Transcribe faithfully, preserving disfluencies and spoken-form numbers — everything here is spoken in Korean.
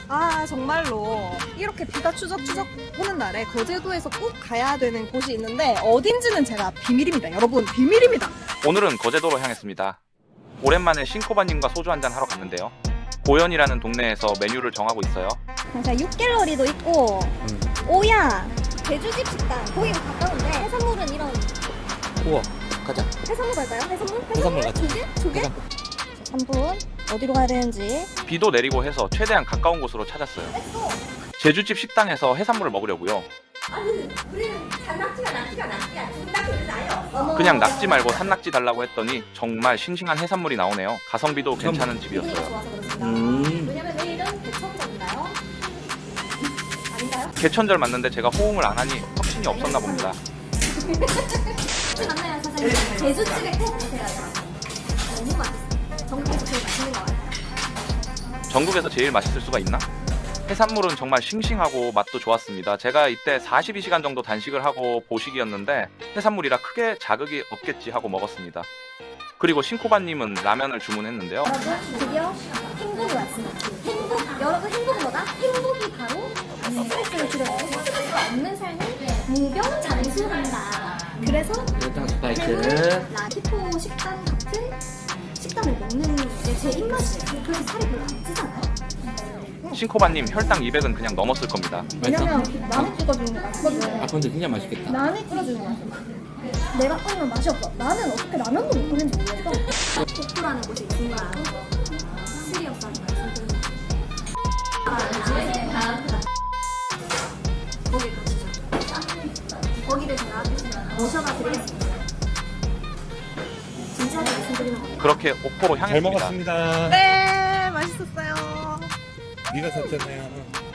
아 정말로 이렇게 비가 추적추적 오는 날에 거제도에서 꼭 가야 되는 곳이 있는데 어딘지는 제가 비밀입니다. 여러분 비밀입니다. 오늘은 거제도로 향했습니다. 오랜만에 신코바님과 소주 한잔 하러 갔는데요. 고현이라는 동네에서 메뉴를 정하고 있어요. 자, 육갤러리도 있고 음. 오야 제주집 식당 거기가 가까운데 해산물은 이런 우와, 가자. 해산물 갈까요? 해산물? 해산물 가자. 조개? 조개? 해산- 한 분 어디로 가야 되는지 비도 내리고 해서 최대한 가까운 곳으로 찾았어요. 제주집 식당에서 해산물을 먹으려고요. 그냥 낙지 말고 산낙지 달라고 했더니 정말 싱싱한 해산물이 나오네요. 가성비도 괜찮은 집이었어요. 좋아서 그렇습니다. 음. 왜냐면 내일은 개천절인가요? 아닌가요? 개천절 맞는데 제가 호응을 안 하니 확신이 없었나 봅니다. 맞나요 사장님? 제주집에 꼭 오세요. 너무 맛있어요. 전국에서 제일 맛있는 것 같아요. 전국에서 제일 맛있을 수가 있나? 해산물은 정말 싱싱하고 맛도 좋았습니다. 제가 이때 사십이 시간 정도 단식을 하고 보식이었는데 해산물이라 크게 자극이 없겠지 하고 먹었습니다. 그리고 신코바님은 라면을 주문했는데요. 여러분 드디어 행복이 왔습니다. 행복 여러분 행복은 뭐다? 행복이 바로 스트레스를 줄여주고 스트레스가 없는 삶을 무병장수한다. 그래서 일단 스파이크. 배는 라디포 식단 같은 식단을 먹는 게 제 입맛이에요. 그래서 살이 별로 안 찌잖아요. 신코바님 혈당 이백은 그냥 넘었을 겁니다. 왜냐면 나는 찍어주는 게 맛있거든. 아, 근데 진짜 맛있겠다. 나는 찍어주는 게 맛있어. 내가 끓이면 맛이 없어. 나는 어떻게 라면도 못 끓는지 모르겠어. 복부라는 곳이 있습니다. 시리어스하게 말씀드립니다. 거기 가시죠. 거기를 제가 모셔가 드리겠습니다. 진짜로 말씀드리는 겁니다. 그렇게 옥포로 잘 향했습니다. 먹었습니다. 네, 맛있었어요. 네가 샀잖아요.